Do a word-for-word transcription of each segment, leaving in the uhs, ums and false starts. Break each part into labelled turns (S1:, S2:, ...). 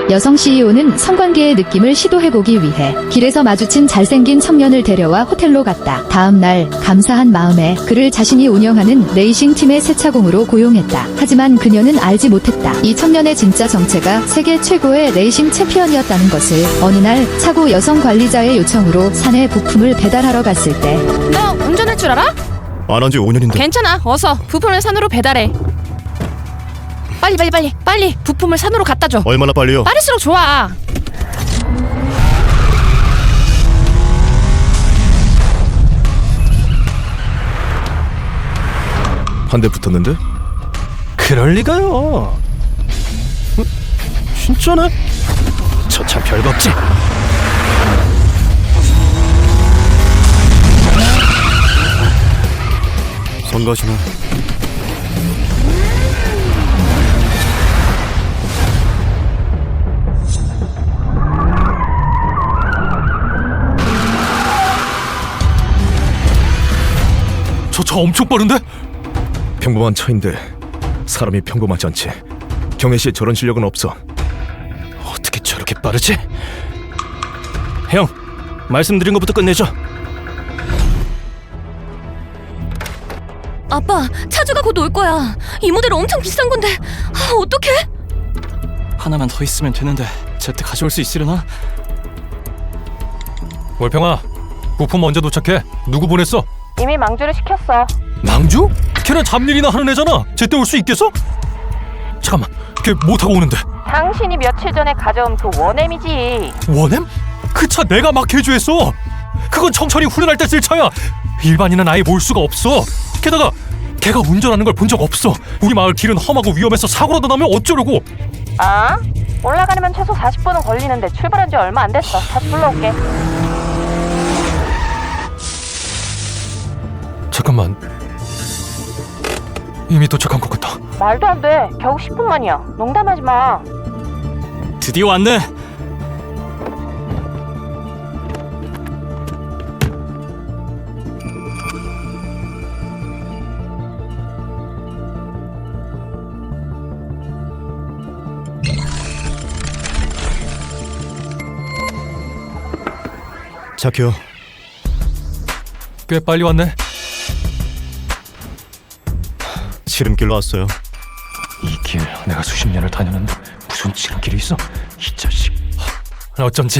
S1: 여성 씨이오는 성관계의 느낌을 시도해보기 위해 길에서 마주친 잘생긴 청년을 데려와 호텔로 갔다. 다음 날 감사한 마음에 그를 자신이 운영하는 레이싱 팀의 세차공으로 고용했다. 하지만 그녀는 알지 못했다. 이 청년의 진짜 정체가 세계 최고의 레이싱 챔피언이었다는 것을. 어느 날 차고 여성 관리자의 요청으로 산에 부품을 배달하러 갔을 때
S2: 너 운전할 줄 알아?
S3: 안 한 지 오 년인데.
S2: 괜찮아. 어서 부품을 산으로 배달해. 빨리 빨리 빨리 빨리 부품을 산으로 갖다 줘.
S3: 얼마나 빨리요?
S2: 빠를수록 좋아.
S3: 한 대 붙었는데? 그럴 리가요. 어? 진짜네? 저 차 별거 없지? 성가시나? 저 차 엄청 빠른데? 평범한 차인데 사람이 평범하지 않지. 경혜씨의 저런 실력은 없어. 어떻게 저렇게 빠르지? 형, 말씀드린 것부터 끝내죠.
S4: 아빠, 차주가 곧 올 거야. 이 모델 엄청 비싼 건데. 아, 어떡해?
S5: 하나만 더 있으면 되는데 제때 가져올 수 있으려나?
S6: 월평아, 부품 언제 도착해? 누구 보냈어?
S2: 이미 망주를 시켰어.
S6: 망주? 걔는 잡일이나 하는 애잖아. 제때 올 수 있겠어? 잠깐만, 걔 뭐 타고 오는데?
S2: 당신이 며칠 전에 가져온 그 원엠이지.
S6: 원엠? 그 차 내가 막 개조했어. 그건 청천이 훈련할 때 쓸 차야. 일반인은 아예 몰 수가 없어. 게다가 걔가 운전하는 걸 본 적 없어. 우리 마을 길은 험하고 위험해서 사고라도 나면 어쩌려고.
S2: 아? 올라가려면 최소 사십 분은 걸리는데 출발한 지 얼마 안 됐어. 다시 불러올게.
S6: 잠깐만, 이미 도착한 것 같다.
S2: 말도 안 돼. 겨우 십 분 만이야. 농담하지 마.
S5: 드디어 왔네.
S3: 자키요.
S6: 꽤 빨리 왔네.
S3: 지름길로 왔어요.
S6: 이 길 내가 수십 년을 다녔는데 무슨 지름길이 있어? 이 자식. 어쩐지.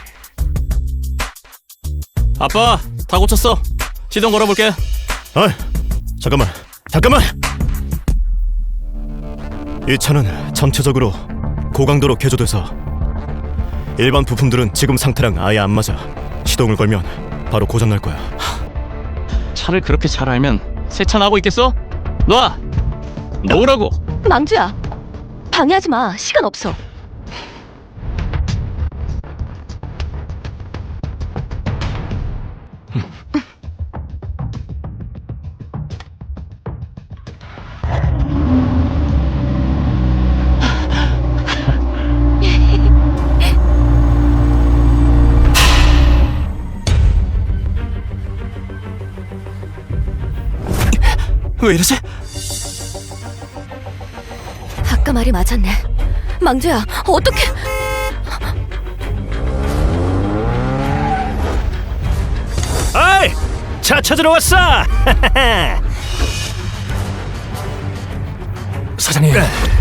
S5: 아빠, 다 고쳤어. 시동 걸어볼게.
S3: 아, 잠깐만, 잠깐만. 이 차는 전체적으로 고강도로 개조돼서 일반 부품들은 지금 상태랑 아예 안 맞아. 시동을 걸면 바로 고장 날 거야.
S5: 차를 그렇게 잘 알면 세차나고 있겠어? 놔! 놓으라고!
S4: 망주야, 방해하지 마. 시간 없어.
S5: 왜 이러지?
S4: 아까 말이 맞았네. 망주야, 어떡해?
S3: 아이, 차 찾으러 왔어.
S6: 사장님.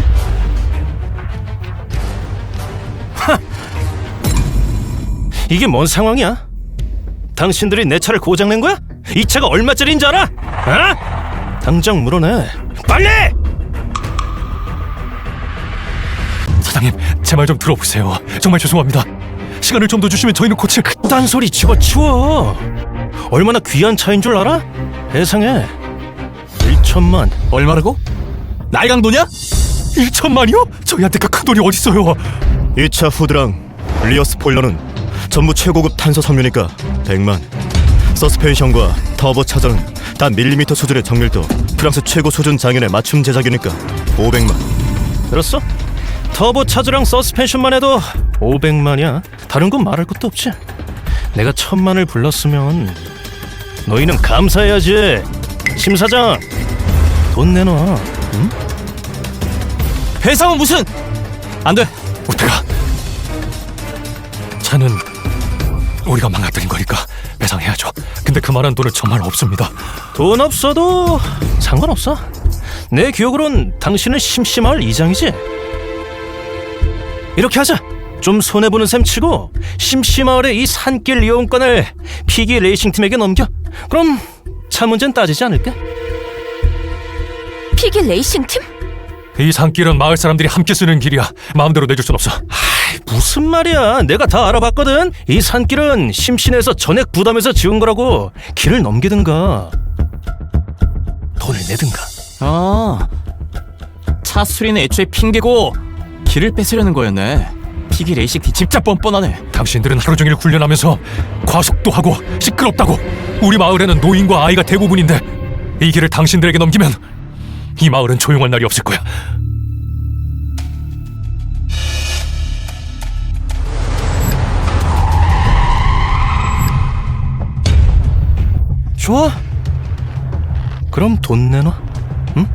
S3: 이게 뭔 상황이야? 당신들이 내 차를 고장낸 거야? 이 차가 얼마짜리인 줄 알아? 어? 당장 물어내, 빨리!
S6: 사장님, 제 말 좀 들어보세요. 정말 죄송합니다. 시간을 좀 더 주시면 저희는 고칠.
S3: 그딴 소리 집어치워. 얼마나 귀한 차인 줄 알아? 세상에 일천만.
S5: 얼마라고? 날강도냐?
S6: 일천만이요? 저희한테 그 큰 돈이 어딨어요.
S3: 이 차 후드랑 리어 스포일러는 전부 최고급 탄소 섬유니까 백만. 서스펜션과 터보 차저는 단 밀리미터 수준의 정밀도, 프랑스 최고 수준 장인의 맞춤 제작이니까 오백만. 들었어? 터보 차저랑 서스펜션만 해도 오백만이야. 다른 건 말할 것도 없지. 내가 천만을 불렀으면 너희는 감사해야지. 심 사장, 돈 내놔. 응?
S5: 배상은 무슨? 안 돼.
S6: 우태가 차는 우리가 망가뜨린 거니까 배상해야죠. 근데 그만한 돈은 정말 없습니다.
S7: 돈 없어도 상관없어. 내 기억으론 당신은 심심마을 이장이지? 이렇게 하자. 좀 손해보는 셈 치고 심심마을의 이 산길 이용권을 피기 레이싱팀에게 넘겨. 그럼 차 문제는 따지지 않을까?
S4: 피기 레이싱팀?
S6: 이 산길은 마을 사람들이 함께 쓰는 길이야. 마음대로 내줄 순 없어.
S7: 아이, 무슨 말이야. 내가 다 알아봤거든. 이 산길은 심신에서 전액 부담해서 지은 거라고. 길을 넘기든가 돈을 내든가.
S5: 아, 차 수리는 애초에 핑계고 길을 뺏으려는 거였네. 피기 레이싱팀 진짜 뻔뻔하네.
S6: 당신들은 하루 종일 훈련하면서 과속도 하고 시끄럽다고. 우리 마을에는 노인과 아이가 대부분인데 이 길을 당신들에게 넘기면 이 마을은 조용할 날이 없을 거야.
S7: 좋아. 그럼 돈 내놔. 응?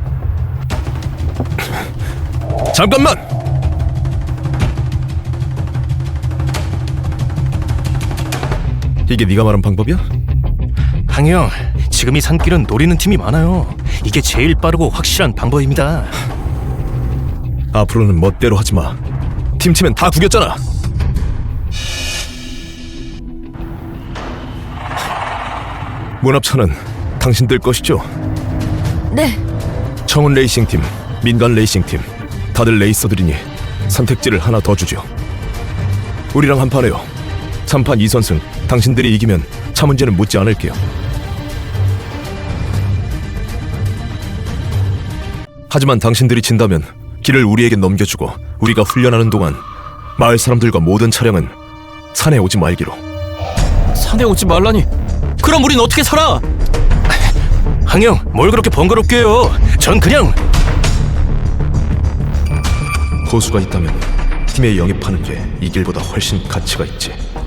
S3: 잠깐만! 이게 네가 말한 방법이야?
S7: 항영, 지금 이 산길은 노리는 팀이 많아요. 이게 제일 빠르고 확실한 방법입니다.
S3: 앞으로는 멋대로 하지 마. 팀치면 다 구겼잖아. 문합차는 당신들 것이죠?
S4: 네.
S3: 청운 레이싱팀, 민간 레이싱팀, 다들 레이서들이니 선택지를 하나 더 주죠. 우리랑 한판해요. 삼 판 이 선승. 당신들이 이기면 차 문제는 묻지 않을게요. 하지만 당신들이 진다면 길을 우리에게 넘겨주고 우리가 훈련하는 동안 마을 사람들과 모든 차량은 산에 오지 말기로.
S5: 산에 오지 말라니. 그럼 우린 어떻게 살아?
S7: 항영, 뭘 그렇게 번거롭게 해요. 전 그냥...
S3: 호수가 있다면 팀에 영입하는 게 이 길보다 훨씬 가치가 있지.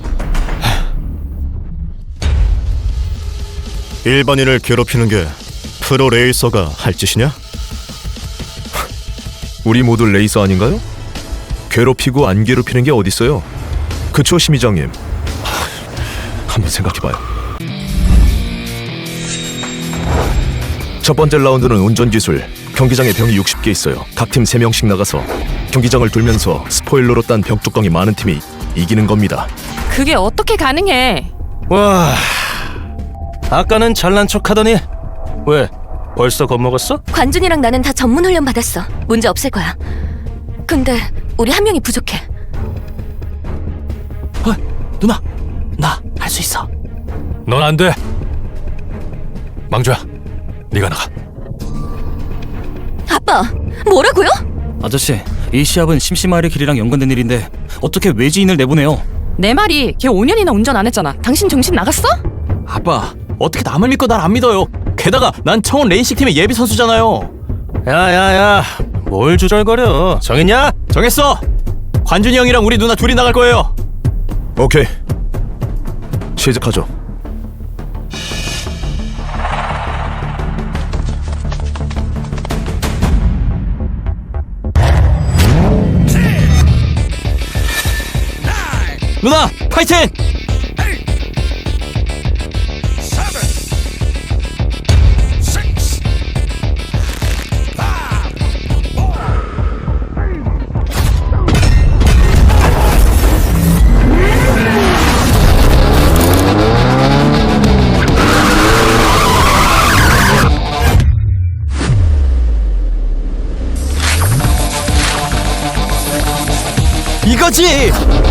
S3: 일반인을 괴롭히는 게 프로 레이서가 할 짓이냐? 우리 모두 레이서 아닌가요? 괴롭히고 안 괴롭히는 게 어딨어요? 그쵸, 심의장님? 한번 생각해봐요. 첫 번째 라운드는 운전기술. 경기장에 병이 육십 개 있어요. 각 팀 세 명씩 나가서 경기장을 돌면서 스포일러로 딴 벽 뚜껑이 많은 팀이 이기는 겁니다.
S2: 그게 어떻게 가능해?
S7: 와... 아까는 잘난 척 하더니 왜? 벌써 겁먹었어?
S4: 관준이랑 나는 다 전문 훈련 받았어. 문제 없을 거야. 근데 우리 한 명이 부족해.
S5: 어, 누나, 나 할 수 있어.
S6: 넌 안 돼. 망조야, 네가 나가.
S4: 아빠, 뭐라고요?
S8: 아저씨, 이 시합은 심심마을의 길이랑 연관된 일인데 어떻게 외지인을 내보내요?
S2: 내 말이 걔 오 년이나 운전 안 했잖아. 당신 정신 나갔어?
S5: 아빠, 어떻게 남을 믿고 날 안 믿어요? 게다가 난 청원 레이싱팀의 예비 선수잖아요.
S7: 야야야, 뭘 주절거려. 정했냐?
S5: 정했어. 관준이 형이랑 우리 누나 둘이 나갈 거예요.
S3: 오케이, 시작하죠.
S5: 누나, 파이팅! 이거지!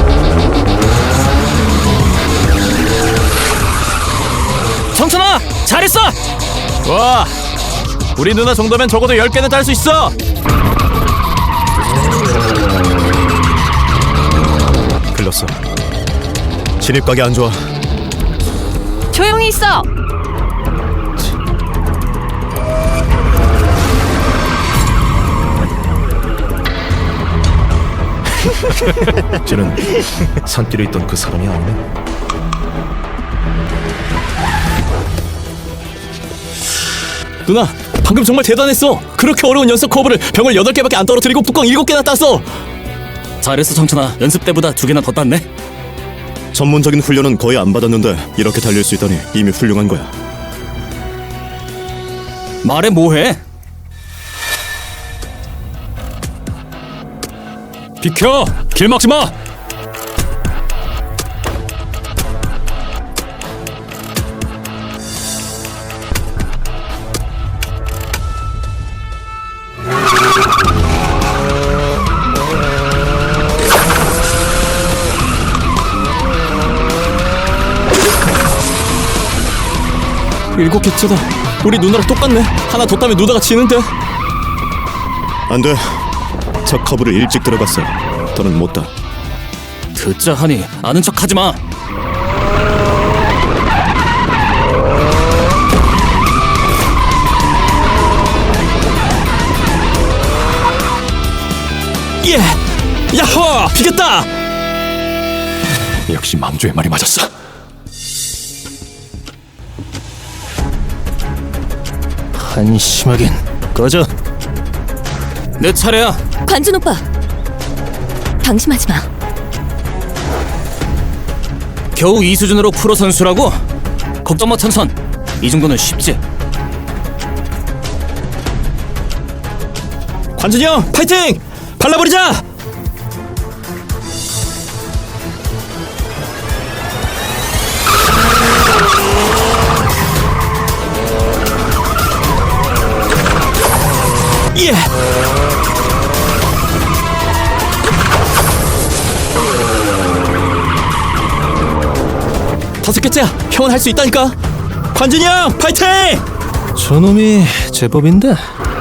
S7: 성천아, 잘했어!
S5: 와, 우리 누나 정도면 적어도 열 개는 딸 수 있어!
S3: 글렀어. 진입각이 안 좋아.
S2: 조용히 있어.
S3: 쟤는 산길에 있던 그 사람이 아니네.
S5: 누나, 방금 정말 대단했어. 그렇게 어려운 연습 커브를 병을 여덟 개밖에 안 떨어뜨리고 뚜껑 일곱 개나 땄어.
S8: 잘했어, 청춘아. 연습 때보다 두 개나 더 땄네.
S3: 전문적인 훈련은 거의 안 받았는데 이렇게 달릴 수 있다니 이미 훌륭한 거야.
S8: 말해 뭐해?
S6: 비켜! 길 막지 마!
S5: 일곱 개째다. 우리 누나랑 똑같네. 하나 더 따면 누나가 지는데.
S3: 안 돼. 저 커브를 일찍 들어갔어. 더는 못 따.
S8: 듣자 하니 아는 척 하지 마.
S5: 예! 야호! 비겼다!
S6: 역시 망조의 말이 맞았어.
S7: 한심하긴. 꺼져.
S8: 내 차례야.
S4: 관준 오빠, 방심하지 마.
S8: 겨우 이 수준으로 프로 선수라고? 걱정 마 천선. 이 정도는 쉽지.
S5: 관준이 형 파이팅! 발라버리자! 예! 다섯 개째야. 형은 할 수 있다니까. 관준이 형 파이팅!
S7: 저놈이 제법인데.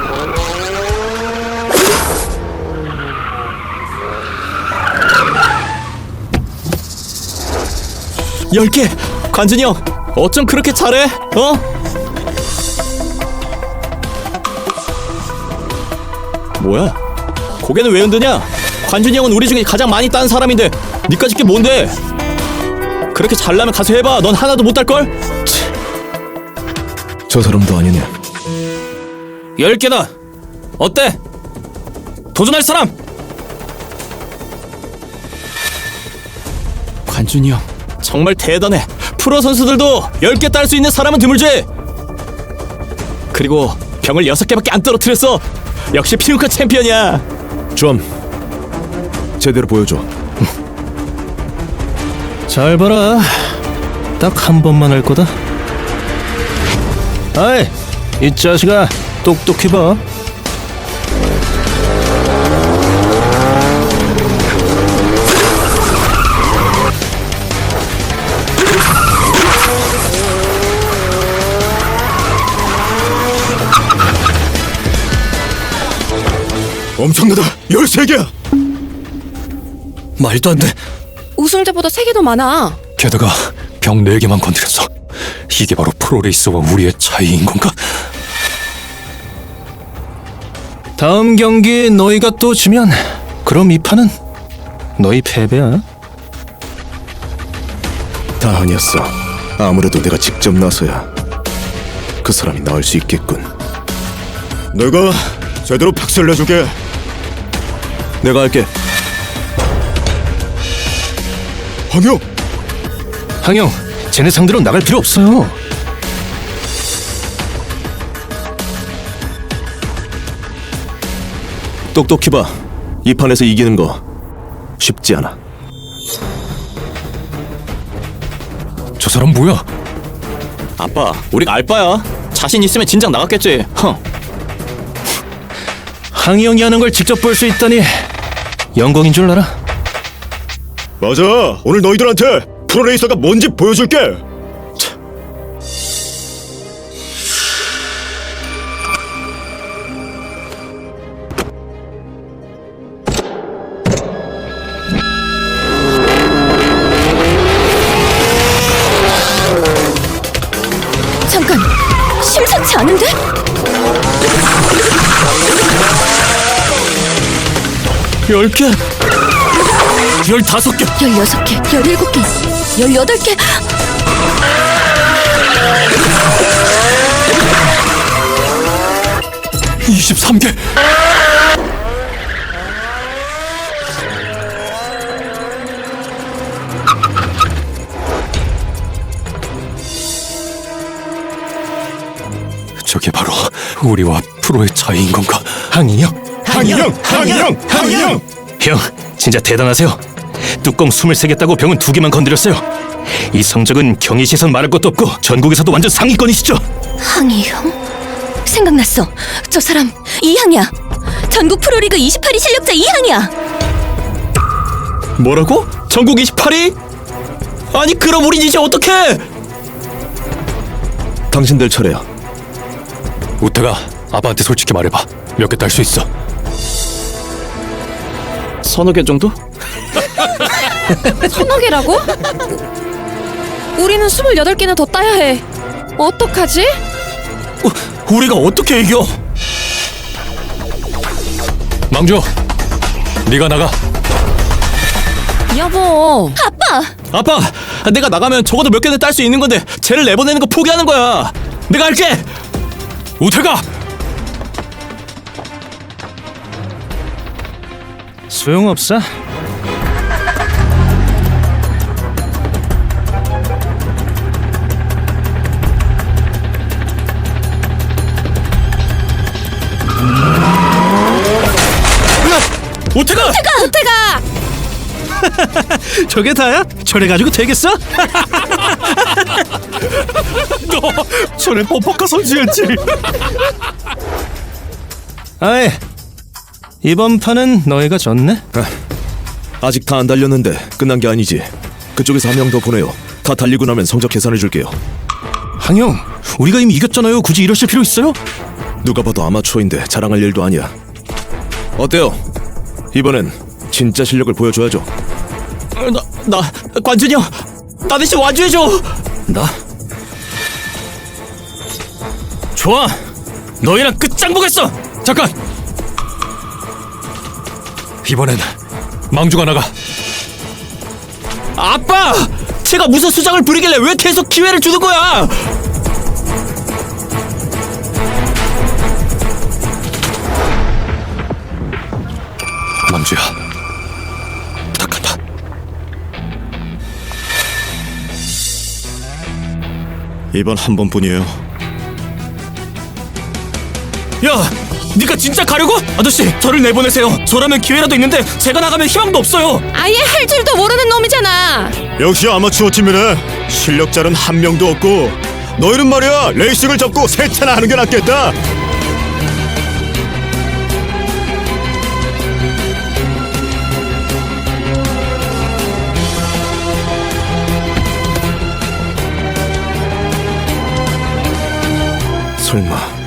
S5: 열 개! 관준이 형 어쩜 그렇게 잘해? 어? 뭐야? 고개는 왜 흔드냐? 관준이 형은 우리 중에 가장 많이 딴 사람인데 니까짓 게 뭔데? 그렇게 잘나면 가서 해봐. 넌 하나도 못 딸걸?
S3: 저 사람도 아니네.
S8: 열 개다. 어때? 도전할 사람?
S5: 관준이 형 정말 대단해. 프로 선수들도 열 개 딸 수 있는 사람은 드물지. 그리고 병을 여섯 개밖에 안 떨어뜨렸어. 역시 피우카 챔피언이야.
S3: 좀 제대로 보여줘.
S7: 잘 봐라. 딱 한 번만 할 거다. 아이, 이 자식아, 똑똑히 봐.
S3: 엄청나다. 열세 개야.
S8: 말도 안 돼.
S2: 우승자보다 세 개 더 많아.
S6: 게다가 병 네 개만 건드렸어. 이게 바로 프로레이서와 우리의 차이인 건가?
S7: 다음 경기 너희가 또 지면 그럼 이 판은 너희 패배야.
S3: 다 아니었어. 아무래도 내가 직접 나서야 그 사람이 나을 수 있겠군. 내가 제대로 박살 내줄게. 내가 할게. 황영!
S7: 항영, 쟤네 상대로 나갈 필요 없어요.
S3: 똑똑히 봐. 이 판에서 이기는 거 쉽지 않아.
S6: 저 사람 뭐야?
S5: 아빠, 우리가 알바야. 자신 있으면 진작 나갔겠지. 헝.
S7: 항영이 하는 걸 직접 볼 수 있다니 영광인 줄 알아.
S3: 맞아. 오늘 너희들한테 프로레이서가 뭔지 보여줄게. 차.
S4: 잠깐, 심상치 않은데?
S5: 열 개!
S8: 열다섯 개.
S4: 열여섯 개, 열일곱 개, 열여덟 개.
S6: 이십삼 개! 저게 바로 우리와 프로의 차이인 건가?
S7: 항이 형,
S3: 항이 형! 항이 형! 항이 형!
S7: 형 진짜 대단하세요. 뚜껑 스물세 개 따고 병은 두 개만 건드렸어요. 이 성적은 경희 시선 말할 것도 없고 전국에서도 완전 상위권이시죠.
S4: 항이 형? 생각났어. 저 사람 이항이야. 전국 프로리그 이십팔 위 실력자 이항이야.
S5: 뭐라고? 전국 이십팔 위? 아니 그럼 우린 이제 어떡해?
S3: 당신들 차례야.
S6: 우태가 아빠한테 솔직히 말해봐. 몇 개 딸 수 있어?
S5: 서너 개 정도?
S2: 서너 개라고? 우리는 스물여덟 개나 더 따야 해. 어떡하지?
S5: 어, 우리가 어떻게 이겨?
S6: 망조, 네가 나가.
S2: 여보.
S5: 아빠, 내가 나가면 적어도 몇 개는 딸 수 있는 건데 쟤를 내보내는 거 포기하는 거야. 내가 할게.
S6: 우태가!
S7: 소용없어.
S5: 우태가!
S2: 우태가!
S7: 저게 다야? 저래가지고 되겠어?
S6: 너 전에 범퍼카 선수였지?
S7: 아이, 이번 판은 너희가 졌네.
S3: 아직 다 안 달렸는데 끝난 게 아니지. 그쪽에서 한 명 더 보내요. 다 달리고 나면 성적 계산해 줄게요.
S7: 항영, 우리가 이미 이겼잖아요. 굳이 이러실 필요 있어요?
S3: 누가 봐도 아마추어인데 자랑할 일도 아니야. 어때요? 이번엔 진짜 실력을 보여줘야죠.
S5: 어, 나, 나 관준이 형, 나 대신 와줘야죠.
S7: 나? 좋아, 너희랑 끝장 보겠어.
S6: 잠깐! 이번엔 망주가 나가.
S5: 아빠! 제가 무슨 수작을 부리길래 왜 계속 기회를 주는 거야?
S6: 망주야, 부탁한다.
S3: 이번 한 번뿐이에요.
S5: 야, 네가 진짜 가려고? 아저씨, 저를 내보내세요. 저라면 기회라도 있는데 제가 나가면 희망도 없어요.
S2: 아예 할 줄도 모르는 놈이잖아.
S3: 역시 아마추어 팀이네. 실력자는 한 명도 없고 너희는 말이야 레이싱을 접고 세차나 하는 게 낫겠다. 설마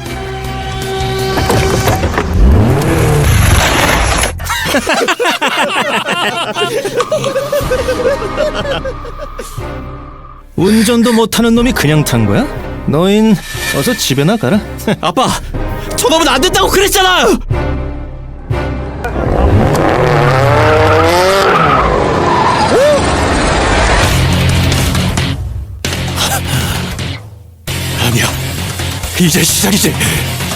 S7: 운전도 못하는 놈이 그냥 탄 거야? 너흰 어서 집에나 가라.
S5: 아빠, 저놈은 안 된다고 그랬잖아.
S6: 아니야, 이제 시작이지.